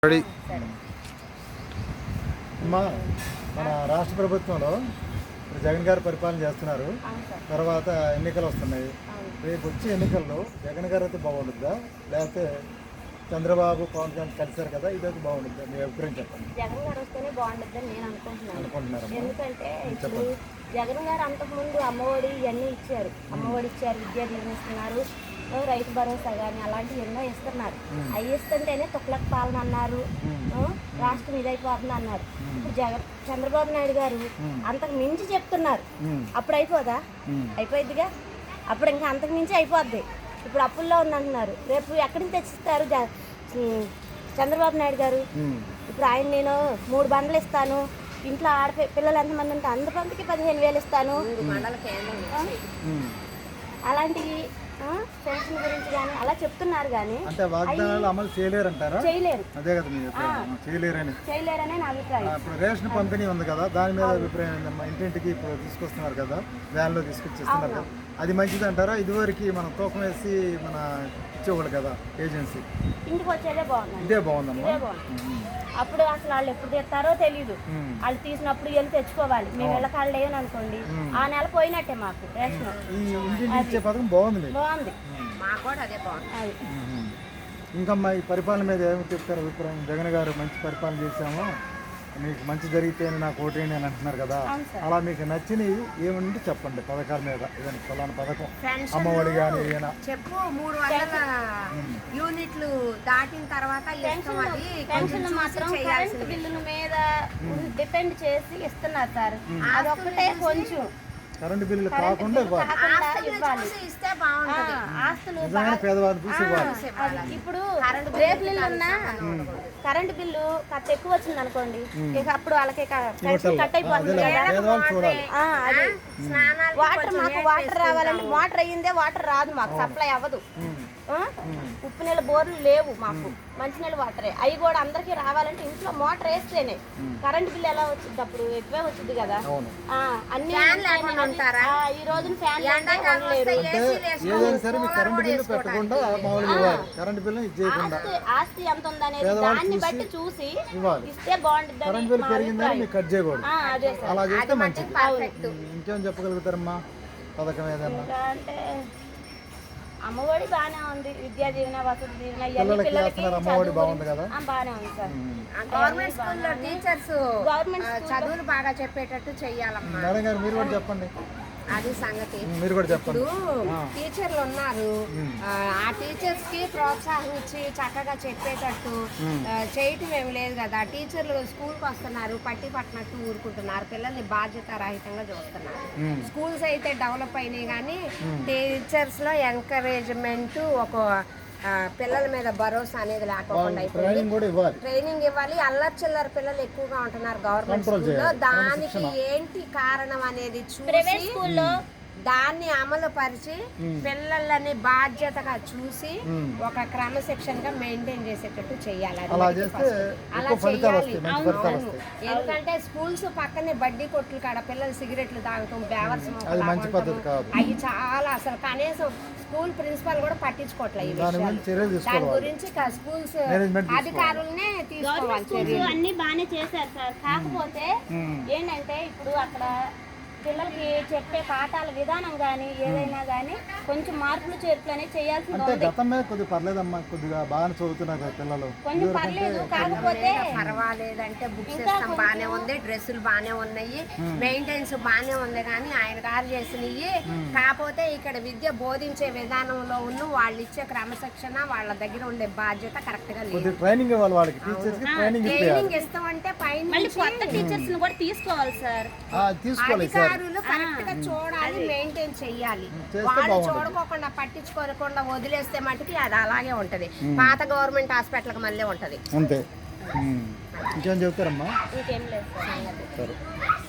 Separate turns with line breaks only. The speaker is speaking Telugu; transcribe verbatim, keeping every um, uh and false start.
అమ్మా మన రాష్ట్ర ప్రభుత్వంలో జగన్ గారు పరిపాలన చేస్తున్నారు. తర్వాత ఎన్నికలు వస్తున్నాయి. రేపు వచ్చే ఎన్నికల్లో జగన్ గారు అయితే బాగుంటుందా, లేకపోతే చంద్రబాబు పవన్ కళ్యాణ్ కలిసారు కదా, ఇదైతే బాగుంటుందా? మీ అభిప్రాయం చెప్పండి.
జగన్ గారు వస్తేనే బాగుంటుందని నేను అనుకుంటున్నాను.
అనుకుంటున్నారు
ఎందుకంటే ఇప్పుడు జగన్ గారు అంతకుముందు అమ్మఒడి ఇవన్నీ ఇచ్చారు. అమ్మఒడి ఇచ్చారు, విద్యా దీవెన ఇస్తున్నారు, రైతు భరోసా కానీ అలాంటివి ఎన్నో ఇస్తున్నారు. అవి ఇస్తుంటేనే తుక్లక్ పాలన అన్నారు, రాష్ట్రం ఇదైపోతుంది అన్నారు. ఇప్పుడు జగన్ చంద్రబాబు నాయుడు గారు అంతకు మించి చెప్తున్నారు. అప్పుడు అయిపోదా? అయిపోయిద్దిగా. అప్పుడు ఇంకా అంతకు మించి అయిపోద్ది. ఇప్పుడు అప్పుల్లో ఉందంటున్నారు. రేపు ఎక్కడి నుంచి తెచ్చిస్తారు చంద్రబాబు నాయుడు గారు? ఇప్పుడు ఆయన నేను మూడు బండ్లు ఇస్తాను, ఇంట్లో ఆడపి పిల్లలు ఎంతమంది ఉంటే అందరికి పదిహేను వేలు ఇస్తాను, అలాంటివి పెన్షన్ గురించి కానీ అలా చెప్తున్నారు. కానీ
అంటే వాగ్దానాలు అమలు చేయలేరు అంటారా?
చేయలేరు.
అదే కదా మీ అభిప్రాయం? చేయలేరని
చేయలేరనే నా అభిప్రాయం.
ఇప్పుడు రేషన్ పంపిణీ ఉంది కదా, దాని మీద అభిప్రాయం ఏంటమ్మా? ఇంటింటికి ఇప్పుడు తీసుకొస్తున్నారు కదా, వ్యాన్లో తీసుకొచ్చిస్తున్నారు కదా, అది మంచిది అంటారా? ఇదివరకు మనం తూకం వేసి మన ఇచ్చేవాళ్ళు కదా ఏజెన్సీ,
ఇంటికి వచ్చేదే బాగుంది.
ఇదే బాగుందమ్మా.
అప్పుడు అసలు వాళ్ళు ఎప్పుడు తెస్తారో తెలియదు. వాళ్ళు తీసినప్పుడు వెళ్ళి తెచ్చుకోవాలి. మేము వెళ్ళ కాళ్ళు లేవని అనుకోండి, ఆ నెల పోయినట్టే మాకు రేషన్.
ఇచ్చే పథకం బాగుంది,
బాగుంది. మాకు కూడా అదే బాగుంది.
ఇంకా ఈ పరిపాలన మీద ఏమి చెప్తారు అభిప్రాయం? జగన్ గారు మంచి పరిపాలన చేశాము, మీకు మంచి జరిగితే నాకు ఓటేయండి అని అంటున్నారు కదా, అలా మీకు నచ్చినవి ఏమంటే చెప్పండి. పథకాల మీద ఏదైనా ఫలానా పథకం, అమ్మఒడి కానీ ఏదైనా
చెప్పు. మూడు వందల యూనిట్లు దాటిన తర్వాత
పెన్షన్ మాత్రం కరెంట్ బిల్లుల మీద డిపెండ్ చేసి ఇస్తున్నారు సార్. అదొక్కటే కొంచెం
కరెంటు బిల్లులు కాకుండా
ఇస్తే బాగుంటుంది.
ఆస్తులు
పేదవాళ్ళు చూసి
ఇప్పుడు రేపు బిల్లు ఉన్నా కరెంటు బిల్లు కట్ ఎక్కువ వచ్చింది అనుకోండి, ఇక అప్పుడు వాళ్ళకి కట్ అయిపోతుంది కదా. వాటర్ మాకు వాటర్ రావాలంటే మోటార్ అయ్యిందే వాటర్ రాదు, మాకు సప్లై అవ్వదు. ఉప్పు నీళ్ళ బోర్లు లేవు మాకు, మంచినీళ్ళ వాటరే. అవి కూడా అందరికి రావాలంటే ఇంట్లో మోటార్ వేస్తేనే. కరెంట్ బిల్ ఎలా వచ్చింది? అప్పుడు ఎక్కువే వచ్చింది కదా. అన్ని ఈ రోజున ఫ్యాన్ ఆస్తి ఎంత ఉందనేది దాన్ని బట్టి చూసి ఇస్తే బాగుంటుంది.
ఇంకేం చెప్పగలుగుతారమ్మా పథకం ఏదన్నా?
అంటే అమ్మఒడి బాగానే ఉంది, విద్యా దీవెన, వసతి దీవెన, ఇవన్నీ పిల్లలకి
బాగుంది కదా,
బాగానే ఉంది సార్.
గవర్నమెంట్ స్కూల్లో టీచర్స్ గవర్నమెంట్ చదువులు బాగా చెప్పేటట్టు చెయ్యాలమ్మా.
మేడం గారు మీరు కూడా చెప్పండి.
అది సంగతి.
మీరు కూడా చెప్పండి.
ఇప్పుడు టీచర్లు ఉన్నారు, ఆ టీచర్స్ కి ప్రోత్సాహం ఇచ్చి చక్కగా చెప్పేటట్టు చేయటం ఏమి లేదు కదా. టీచర్లు స్కూల్కి వస్తున్నారు, పట్టి పట్టినట్టు ఊరుకుంటున్నారు, పిల్లల్ని బాధ్యత రహితంగా చూస్తున్నారు. స్కూల్స్ అయితే డెవలప్ అయినాయి, కానీ టీచర్స్ లో ఎంకరేజ్మెంట్, ఒక పిల్లల మీద భరోసా అనేది లేకుండా ట్రైనింగ్ ఇవ్వాలి. అల్లరి చిల్లర పిల్లలు ఎక్కువగా ఉంటున్నారు గవర్నమెంట్ స్కూల్లో. దానికి ఏంటి కారణం అనేది చూసి దాన్ని అమలు పరిచి పిల్లలని బాధ్యతగా చూసి ఒక క్రమశిక్షణగా మెయింటైన్ చేసేటట్టు చెయ్యాలి. అలా చెయ్యాలి. ఎందుకంటే స్కూల్స్ పక్కనే బడ్డీ కొట్లు కాడ పిల్లలు సిగరెట్లు తాగటం, బేవర్స్ అవి చాలా అసలు కనీసం స్కూల్ ప్రిన్సిపల్ కూడా పట్టించుకోవట్లేదు. దాని గురించి స్కూల్స్ అధికారులనే తీసుకోవాలి.
అన్ని బాగానే చేశారు సార్. కాకపోతే ఏంటంటే ఇప్పుడు అక్కడ పిల్లలకి చెప్పే పాఠాల విధానం కానీ ఏదైనా కానీ కొంచెం మార్పులు చేర్పులు అనేది చేయాల్సింది.
కొద్దిగా పర్లేదమ్మా, కొద్దిగా బాగా చదువుతున్నారు పిల్లలు,
కొంచెం పర్లేదు. కాకపోతే
పర్వాలేదంటే బుక్స్ సిస్టమ్ బాగానే ఉంది, డ్రెస్సులు బాగానే ఉన్నాయి, మెయింటెనెన్స్ బాగానే ఉంది, కానీ ఆయన గారు చేసినవి. కాకపోతే ఇక్కడ విద్య బోధించే విధానంలో ఉన్న వాళ్ళు ఇచ్చే క్రమశిక్షణ, వాళ్ళ దగ్గర ఉండే బాధ్యత కరెక్ట్ గా లేదు.
ట్రైనింగ్
ట్రైనింగ్ ఇస్తామంటే పైన
కొత్త టీచర్స్ కూడా తీసుకోవాలి సార్.
తీసుకోవాలి,
కరెక్ట్ గా చూడాలి, మెయింటైన్ చెయ్యాలి. వాళ్ళు చూడకోకుండా పట్టించుకోకుండా వదిలేస్తే మటుకి అది అలాగే ఉంటది. పాత గవర్నమెంట్ హాస్పిటల్ కి మళ్ళీ ఉంటది.
అంతే. ఇంకేం చెప్తారమ్మా?
ఇంకేం లేదు.